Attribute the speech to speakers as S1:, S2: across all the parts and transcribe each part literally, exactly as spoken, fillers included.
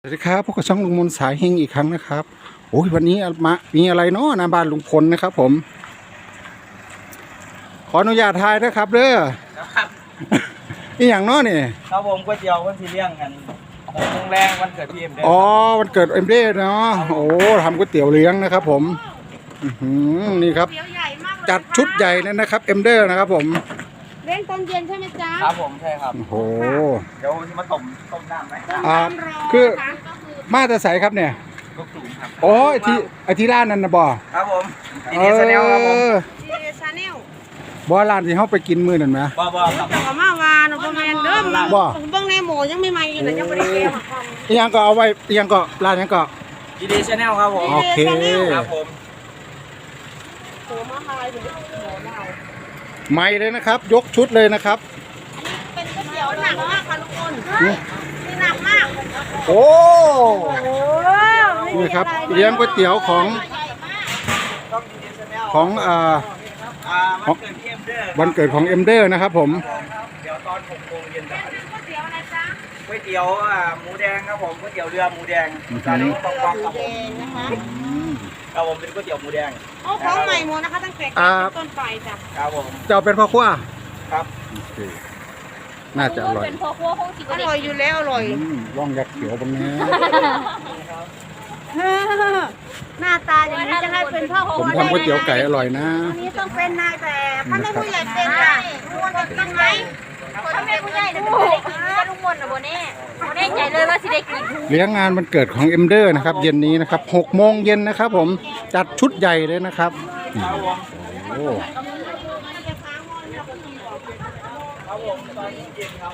S1: สวัสดีครับพวกกับช่องลุงมนสายเฮงอีกครั้งนะครับโอ้ยวันนี้มามีอะไรเนาะหน้าบ้านลุงพลนะครับผมขออนุญาตถ่ายนะครับเด้อ
S2: ครับ
S1: นี่อย่างเนาะนี่
S2: ครับผมก๋วยเตี๋ยววันที่เลี้ยงกันหกโมงแรงวันเกิดพี่เอ็มเด้
S1: อ๋อวันเกิดเอ็มเด้เนาะโอ้ทำก๋วยเตี๋ยวเลี้ยงนะครับผมอื้อหือนี่ครับจัดชุดใหญ่เลยนะครับเอ็มเด้นะครับผม
S3: เลี้ยงตอนเย็นใช่ไหมจ๊ะ
S2: ครับผมใช่ครับ
S1: โอ้โห
S2: เดี๋ยวจะมาต้มต้มน้ำไหม
S1: อ่าคือมาแต่ใสครับเนี่ย
S2: ลูกตุ๋นครับ
S1: โอ้ไอที่ไอที่ร้านนั่นนะบ่
S2: ครับผมดีดีแนลครับผม
S3: ดีชาแนล
S1: บ่ร้านที่เขาไปกินมื้อนั่นไหม
S2: บ่บ่ครับ
S3: แต่ว่ามาวานประมาณเดิม
S1: บ่
S3: เบิ้งในหมูยังไม่มาอยู่เลยยังไม่ได้เก็บ
S1: อีหยังก็เอาไว้อีหยังก็ร้านอีหยังก็
S2: ดีดีแนลครับผม
S1: โอเค
S2: ครับผม
S3: โอ้มาลายถึงหัวเรา
S1: ใหม่เลยนะครับ ยกชุดเลยนะครับ
S3: เป็นก๋วยเตี๋ยวหนักมากค่ะทุกคนนี่หนักมาก
S1: โอ้
S3: โอ้
S1: นี่ครับเลี้ยงก๋วยเตี๋ยวของ
S2: ต้องดีดีแนล
S1: ของอ่า
S2: อ่าวันเกิดพี่เอ็มเด้อ
S1: วันเกิดของเอ็มเดอร์นะครับผม
S2: เดี๋ยวตอนหกโมงเย็นจะ
S3: ก๋วยเตี๋ยวอะไรจ๊ะ
S2: ก๋วยเตี๋ยวอ่าหมูแดงครับผมก๋วยเตี๋ยวเรือหมูแดงจานนี้ต้องกรอบครับผม
S3: นะคะ
S2: ครับผมเป็นก๋วยเตี๋ยวหมูแดง
S3: โอ้ของใหม่หมดนะคะตั้งแต่ต้นไปจ้ะ
S2: ครับผม
S1: จะเอาเป็นพ่อครัว
S2: ครับ
S1: โอเคน่าจะอร่อย
S3: เป็นพอครัวคงสิอร่อยอยู่แล้วอร่อย
S1: อืมว่องยักษ์เขียวบางนี้
S3: หน้าตาอย่างนี้จะให้เป็นพ่อครัว
S1: ผมทำก๋วยเตี๋ยวไก่อร่อยนะ
S3: อันนี้ต้องเป็นนายแบบถ้าไม่ผู้ใหญ่เป็นอ่ะทุกคนจะกินไหม
S4: ถ้าแม่ผู้ใหญ่นะจะได้กินก็ลุงมนต์นะโบเน่โบเน่ใจเลยว่าสิได้กิน
S1: เลี้ยงงานวันเกิดของเอ็มเดอร์นะครับเย็นนี้นะครับหกโมงเย็นนะครับผมจัดชุดใหญ่เลยนะครับโอ้
S2: ครับผมตอนเย็นครับผม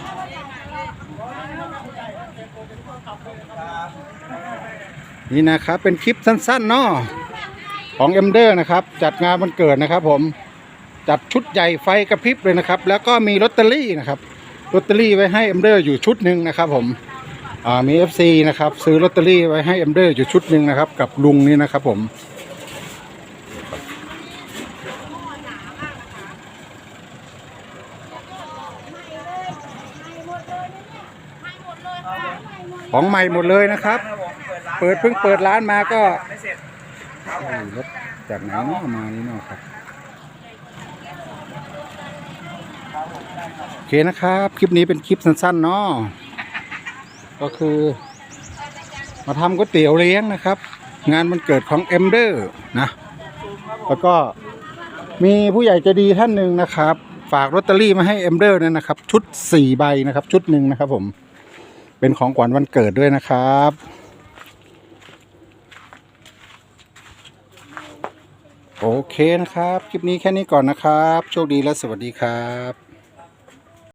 S1: นี่นะครับเป็นคลิปสั้นๆเนาะของเอ็มเดอร์นะครับจัดงานวันเกิดนะครับผมจัดชุดใหญ่ไฟกระพริบเลยนะครับแล้วก็มีลอตเตอรี่นะครับลอตเตอรี่ไว้ให้เอ็มเดอร์อยู่ชุดหนึ่งนะครับผมอ่ามี เอฟ ซี นะครับซื้อลอตเตอรี่ไว้ให้เอ็มเดอร์อยู่ชุดหนึ่งนะครับกับลุงนี่นะครับผมของใหม่หมดเลยนะครับ เปิดเพิ่งเปิดร้านมาก็
S2: ไม่เสร็จ
S1: รถจากไหนเนาะมานี่เนาะครับโอเคนะครับคลิปนี้เป็นคลิปสั้นๆเนาะก็คือ มาทำก๋วยเตี๋ยวเลี้ยงนะครับ งานวันเกิดของเอ็มเดอร์นะแล้วก็มีผู้ใหญ่ใจดีท่านหนึ่งนะครับ ฝากลอตเตอรี่มาให้เอ็มเดอร์นั่นนะครับ ชุดสี่ใบนะครับ ชุดหนึ่งนะครับผมเป็นของขวัญวันเกิดด้วยนะครับ โอเคนะครับ คลิปนี้แค่นี้ก่อนนะครับ โชคดีและสวัสดีครับ